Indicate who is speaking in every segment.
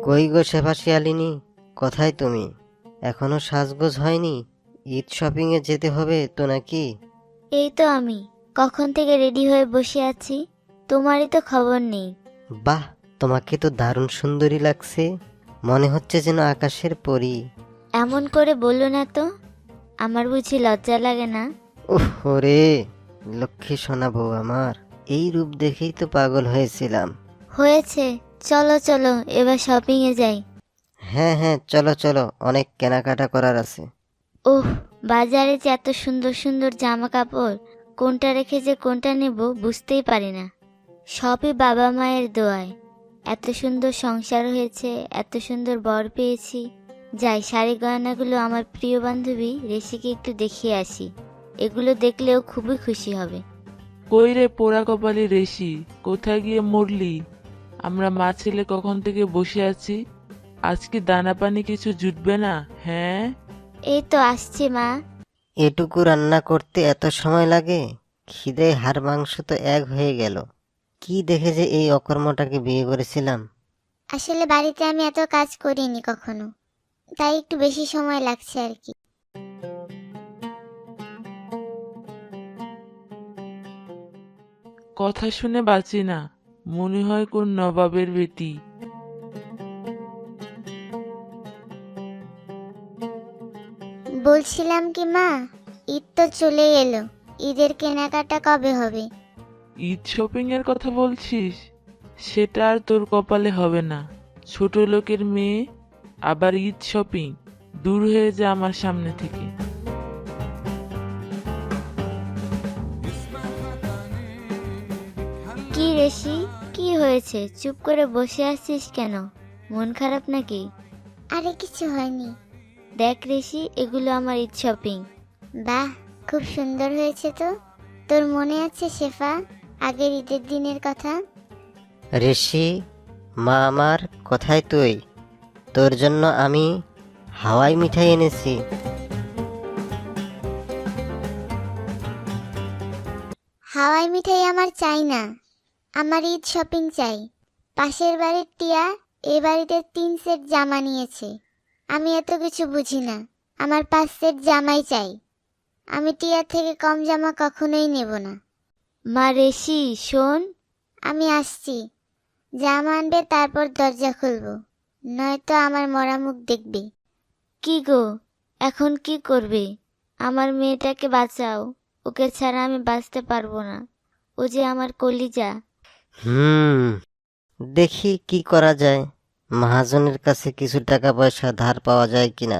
Speaker 1: কই গো শেফা শিয়ালিনী, কোথায় তুমি? এখনো সাজগোজ হয়নি? ঈদ শপিং এ যেতে হবে তো নাকি?
Speaker 2: এই তো আমি কখন থেকে রেডি হয়ে বসে আছি, তোমারই তো খবর নেই।
Speaker 1: বাহ, তোমাকে তো দারুণ সুন্দরী লাগছে, মনে হচ্ছে যেন আকাশের পরী।
Speaker 2: এমন করে বললো না তো, আমার বুঝি লজ্জা লাগে না?
Speaker 1: উফ রে, লক্ষ্মী সোনা বউ আমার, এই রূপ দেখেই তো পাগল হয়েছিলাম।
Speaker 2: হয়েছে, চলো চলো এবার শপিং এ যাই।
Speaker 1: হ্যাঁ হ্যাঁ, চলো চলো, অনেক কেনাকাটা করার আছে।
Speaker 2: ওহ, বাজারে যে এত সুন্দর সুন্দর জামা কাপড়, কোনটা রেখে যে কোনটা নেব বুঝতেই পারি না। সবই বাবা মায়ের দোয়ায়। এত সুন্দর সংসার হয়েছে, এত সুন্দর বর পেয়েছি। যাই, শাড়ি গয়নাগুলো আমার প্রিয় বান্ধবী রেশিকে একটু দেখিয়ে আসি। এগুলো দেখলেও খুবই খুশি হবে।
Speaker 3: কই রে পোড়া কপালি রেশি, কোথায় গিয়ে মরলি? আমরা মা ছেলে কখন থেকে বসে আছি, আজকে দানা পানি কিছু জুটবে না? হ্যাঁ,
Speaker 2: এই তো আসছে মা।
Speaker 1: এটুকু রান্না করতে এত সময় লাগে? খিদে হাড় মাংস তো এক হয়ে গেল। কি দেখে যে এই অকর্মটাকে বিয়ে করেছিলাম।
Speaker 4: আসলে বাড়িতে আমি এত কাজ করিনি কখনো, তাই একটু বেশি সময় লাগছে আর কি।
Speaker 3: কথা শুনে বাঁচি না, মনে হয় কোন নবাবের বেটি।
Speaker 4: বলছিলাম কি মা, ঈদ তো চলে এলো, ঈদের কেনাকাটা কবে হবে?
Speaker 3: ঈদ শপিং এর কথা বলছিস? সেটা আর তোর কপালে হবে না। ছোট লোকের মেয়ে, আবার ঈদ শপিং? দূর হয়ে যা আমার সামনে থেকে।
Speaker 2: কি রেশি, কি হয়েছে? চুপ করে বসে আছিস কেন? মন খারাপ নাকি?
Speaker 4: আরে কিছু হয়নি।
Speaker 2: দেখ রেশি, এগুলো আমার ঈদ শপিং।
Speaker 4: বাহ, খুব সুন্দর হয়েছে তো। তোর মনে আছে শেফা, আগের ঈদের দিনের কথা?
Speaker 1: ঋষি, মা আমার, কোথায় তুই? তোর জন্য আমি হাওয়াই মিঠাই এনেছি।
Speaker 4: হাওয়াই মিঠাই আমার চাই না, আমার ঈদ শপিং চাই। পাশের বাড়ির টিয়া এ বাড়িতে 3 সেট জামা নিয়েছে। আমি এত কিছু বুঝি না, আমার 5 সেট জামাই চাই। আমি টিয়ার থেকে কম জামা কখনোই নেব না।
Speaker 2: মা রেশি শোন।
Speaker 4: আমি আসছি, জামা আনবে তারপর দরজা খুলবো, নয়তো আমার মরা মুখ দেখবে।
Speaker 2: কি গো, এখন কি করবে? আমার মেয়েটাকে বাঁচাও, ওকে ছাড়া আমি বাঁচতে পারবো না। ও যে আমার কলিজা।
Speaker 1: হুম, দেখি কি করা যায়। মহাজনের কাছে কিছু টাকা পয়সা ধার পাওয়া যায় কিনা।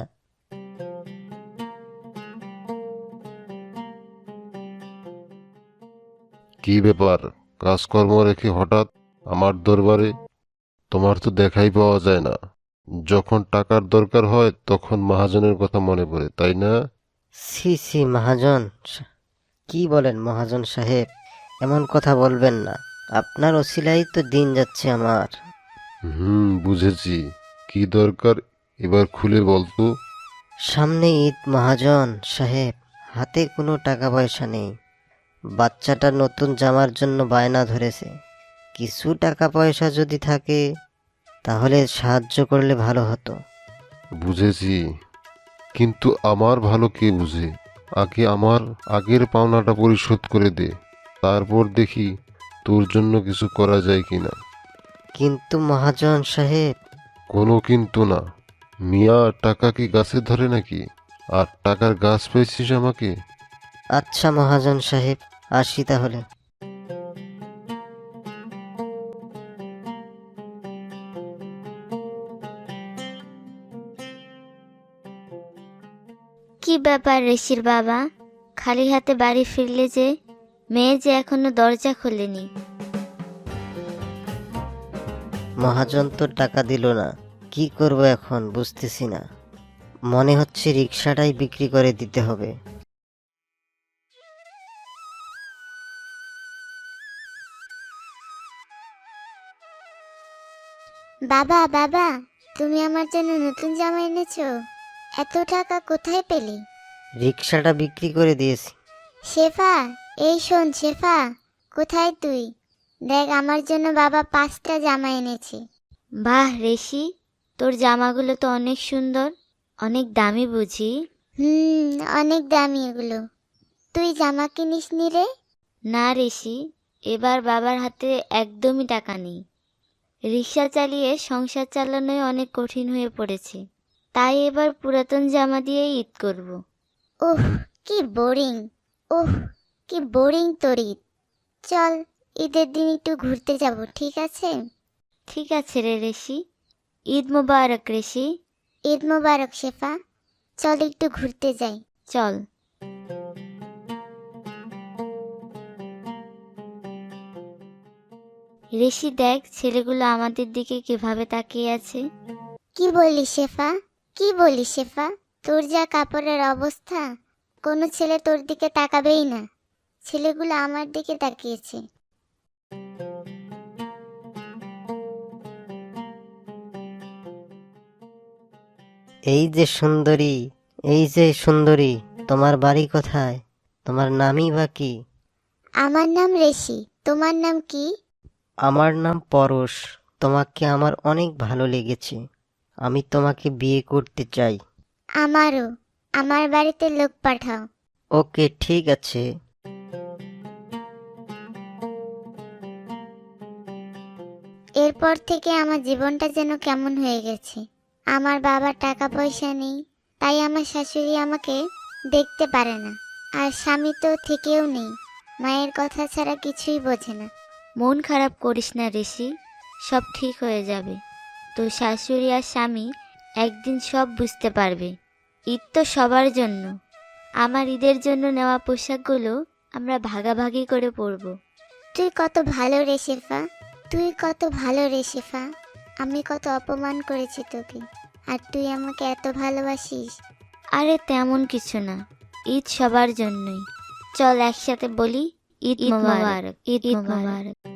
Speaker 5: কি ব্যাপার, কাজকর্ম রেখে হঠাৎ আমার দরবারে? তোমার তো দেখাই পাওয়া যায় না। যখন টাকার দরকার হয় তখন মহাজনের কথা মনে পড়ে, তাই না?
Speaker 1: সি সি মহাজন, কি বলেন মহাজন সাহেব? এমন কথা বলবেন না, আপনার অছিলাই তো দিন যাচ্ছে আমার।
Speaker 5: বুঝেছি। কি দরকার এবার খুলে বলতো।
Speaker 1: সামনে ঈদ মহাজন সাহেব, হাতে কোনো টাকা পয়সা নেই। বাচ্চাটা নতুন জামার জন্য বায়না ধরেছে। কিছু টাকা পয়সা যদি থাকে তাহলে সাহায্য করলে ভালো হতো।
Speaker 5: বুঝেছি, কিন্তু আমার ভালো কে বুঝে? আগে আমার আগের পাওনাটা পরিশোধ করে দে, তারপর দেখি তোর জন্য কিছু করা যায় কিনা।
Speaker 1: কিন্তু মহাজন সাহেব।
Speaker 5: কোনো কিন্তু না। মিয়া, টাকা কি গাছে ধরে নাকি? আর টাকার গাছ পেয়েছিস আমাকে।
Speaker 1: আচ্ছা মহাজন সাহেব, আসি তাহলে।
Speaker 2: কি ব্যাপার রেশির বাবা, খালি হাতে বাড়ি ফিরলে যে? মেয়ে যে এখনো দরজা খোলেনি।
Speaker 1: মহাজন তো টাকা দিল না, কি করব এখন বুঝতেছি না। মনে হচ্ছে রিক্সাটাই বিক্রি করে দিতে হবে।
Speaker 4: বাবা বাবা, তুমি আমার জন্য নতুন জামা এনেছো? এত টাকা কোথায় পেলে?
Speaker 1: রিক্সাটা বিক্রি করে দিয়েছি।
Speaker 4: শেফা, এই শোন শেফা, কোথায় তুই? দেখ, আমার জন্য বাবা 5টা জামা এনেছে।
Speaker 2: বাহ রেশি, তোর জামাগুলো তো অনেক সুন্দর, অনেক দামি বুঝি?
Speaker 4: অনেক দামি এগুলো। তুই জামা কিনিস নি রে?
Speaker 2: না ঋষি, এবার বাবার হাতে একদমই টাকা নেই। রিক্সা চালিয়ে সংসার চালানোই অনেক কঠিন হয়ে পড়েছে, তাই এবার পুরাতন জামা দিয়ে ঈদ করব।
Speaker 4: ওহ কি বোরিং, ওহ কি বোরিং তোর ঈদ। চল ঈদের দিন একটু ঘুরতে যাব, ঠিক আছে?
Speaker 2: ঠিক আছে রে ঋষি, ঈদ মোবারক ঋষি।
Speaker 4: ঈদ মোবারক শেফা। চল একটু ঘুরতে যাই।
Speaker 2: চল। ঋষি দেখ, ছেলেগুলো আমাদের দিকে কিভাবে তাকিয়ে আছে।
Speaker 4: কি বলিস শেফা, কি বলিস শেফা? তোর যা কাপড়ের অবস্থা, কোনো ছেলে তোর দিকে তাকাবেই না। ছেলেগুলো আমার দিকে তাকিয়েছে।
Speaker 1: এই যে সুন্দরী, এই যে সুন্দরী, তোমার বাড়ি কোথায়? তোমার নামই বা কি?
Speaker 4: আমার নাম ঋষি, তোমার নাম কি?
Speaker 1: আমার নাম পরশ। তোমাকে আমার অনেক ভালো লেগেছে। আমি তোমাকে বিয়ে করতে চাই।
Speaker 4: আমারও। আমার বাড়িতে লোক পাঠাও।
Speaker 1: ওকে, ঠিক আছে।
Speaker 4: এরপর থেকে আমার জীবনটা যেন কেমন হয়ে গেছে। আমার বাবার টাকা পয়সা নেই, তাই আমার শাশুড়ি আমাকে দেখতে পারে না। আর স্বামী তো থেকেও নেই, মায়ের কথা ছাড়া কিছুই বোঝে না।
Speaker 2: মন খারাপ করিস না ঋষি, সব ঠিক হয়ে যাবে। তোর শাশুড়ি আর স্বামী একদিন সব বুঝতে পারবে। ঈদ তো সবার জন্য। আমার ঈদের জন্য নেওয়া পোশাকগুলো আমরা ভাগাভাগি করে পরবো।
Speaker 4: তুই কত ভালো রে শেফা, তুই কত ভালো রে শেফা। আমি কত অপমান করেছি তোকে, আর তুই আমাকে এত ভালোবাসিস।
Speaker 2: আরে তেমন কিছু না, ঈদ সবার জন্যই। চল একসাথে বলি ঈদ মোবারক, ঈদ মোবারক।